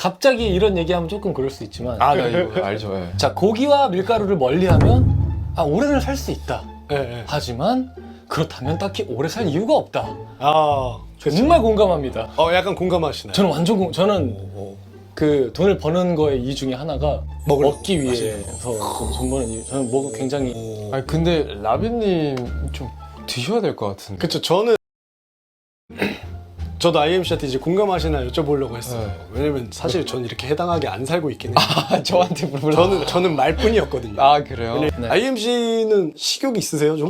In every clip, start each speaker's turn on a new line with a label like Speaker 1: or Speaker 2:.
Speaker 1: 갑자기 이런 얘기하면 조금 그럴 수 있지만
Speaker 2: 아, 나 이거 알죠. 예.
Speaker 1: 자, 고기와 밀가루를 멀리하면 오래는 살 수 있다.
Speaker 3: 네.
Speaker 1: 하지만 그렇다면 딱히 오래 살 이유가 없다.
Speaker 3: 아,
Speaker 1: 정말 공감합니다.
Speaker 3: 약간 공감하시나요?
Speaker 1: 저는 완전 저는 그 돈을 버는 거의 이유 중에 하나가 먹기 위해서 돈 버는 이유. 저는 뭐가 굉장히
Speaker 2: 아니 근데 라비님 좀 드셔야 될 것 같은데.
Speaker 3: 그쵸. 저도 IMC한테 이제 공감하시나 여쭤보려고 했어요.
Speaker 2: 네.
Speaker 3: 왜냐면 사실 전 이렇게 해당하게 안 살고 있긴 해요.
Speaker 2: 아, 저한테 물어봐.
Speaker 3: 저는 말뿐이었거든요.
Speaker 2: 아, 그래요?
Speaker 1: 네.
Speaker 3: IMC는 식욕이 있으세요 좀?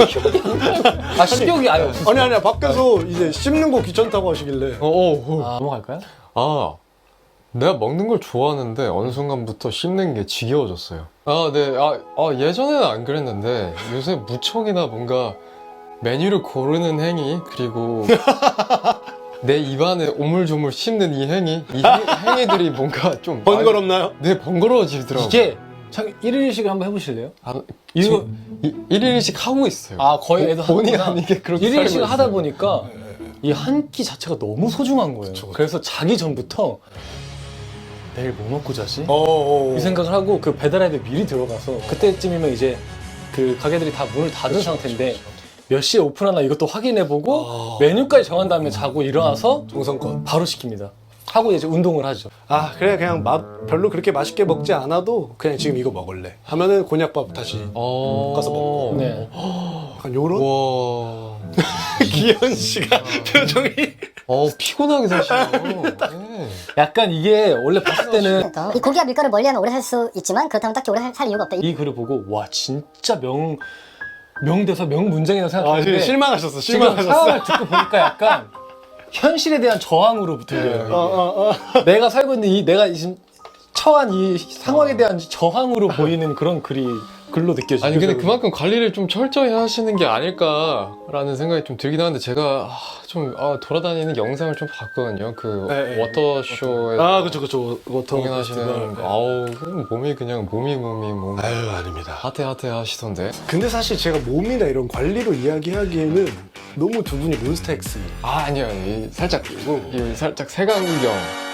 Speaker 1: 식욕이 아예 없어요.
Speaker 3: 아니야 밖에서 이제 씹는 거 귀찮다고 하시길래.
Speaker 1: 넘어갈까요?
Speaker 2: 아, 내가 먹는 걸 좋아하는데 어느 순간부터 씹는 게 지겨워졌어요. 아, 네. 예전에는 안 그랬는데 요새 무척이나 뭔가 메뉴를 고르는 행위, 그리고 내 입안에 오물조물 씹는 이 행위, 행위들이 뭔가 좀
Speaker 3: 번거롭나요?
Speaker 2: 네, 번거로워지더라고요.
Speaker 1: 이게 참 1일씩을 한번 해보실래요?
Speaker 2: 이거 1일씩 하고 있어요.
Speaker 1: 거의 애도
Speaker 2: 본의
Speaker 1: 하는구나.
Speaker 2: 아니게 그렇게
Speaker 1: 1일씩
Speaker 2: 살고
Speaker 1: 하다
Speaker 2: 있어요.
Speaker 1: 보니까 이 한 끼 자체가 너무 소중한 거예요.
Speaker 3: 그쵸.
Speaker 1: 그래서 자기 전부터 내일 뭐 먹고 자지?
Speaker 3: 어.
Speaker 1: 이 생각을 하고 그 배달 앱에 미리 들어가서 그때쯤이면 이제 그 가게들이 다 문을 닫은 상태인데 몇 시에 오픈하나 이것도 확인해보고 메뉴까지 정한 다음에 자고 일어나서
Speaker 3: 정성껏.
Speaker 1: 바로 시킵니다. 하고 이제 운동을 하죠.
Speaker 3: 그래 그냥 별로 그렇게 맛있게 먹지 않아도 그냥 지금 이거 먹을래 하면은 곤약밥 다시 볶아서 먹고.
Speaker 1: 네.
Speaker 3: 약간 요런
Speaker 2: 와.
Speaker 3: 기현 씨가 표정이
Speaker 2: 피곤하게 사시네요. 네.
Speaker 1: 약간 이게 원래 봤을 때는
Speaker 4: 이 고기와 밀가루 멀리하면 오래 살 수 있지만 그렇다면 딱히 오래 살 이유가 없다.
Speaker 1: 이 글을 보고 와 진짜 명대사 명문장이라고 생각했는데
Speaker 3: 실망하셨어.
Speaker 1: 지금
Speaker 3: 실망하셨어.
Speaker 1: 상황을 듣고 보니까 약간 현실에 대한 저항으로 들려요. 내가 살고 있는 내가 지금 처한 이 상황에 대한 저항으로 보이는 그런 글로 느껴지죠.
Speaker 2: 아니 근데 그만큼 관리를 좀 철저히 하시는 게 아닐까라는 생각이 좀 들긴 하는데 제가 돌아다니는 영상을 좀 봤거든요. 그
Speaker 3: 네.
Speaker 2: 워터쇼에서
Speaker 3: 그쵸.
Speaker 2: 공연하시는 그럼 몸이
Speaker 3: 아유, 아닙니다.
Speaker 2: 하태 하시던데.
Speaker 3: 근데 사실 제가 몸이나 이런 관리로 이야기하기에는 너무 두 분이 몬스타엑스.
Speaker 2: 아니요, 살짝 색안경.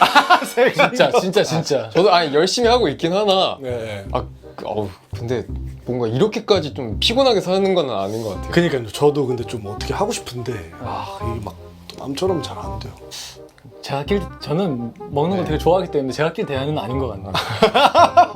Speaker 1: 진짜.
Speaker 2: 저도 열심히 하고 있긴 하나.
Speaker 3: 네.
Speaker 2: 근데 뭔가 이렇게까지 좀 피곤하게 사는 건 아닌 것 같아요.
Speaker 3: 그니까요. 저도 근데 좀 어떻게 하고 싶은데 이게 막 남처럼 잘 안 돼요.
Speaker 1: 저는 먹는 거 되게 좋아하기 때문에 제가 낄 대안은 아닌 것 같네요.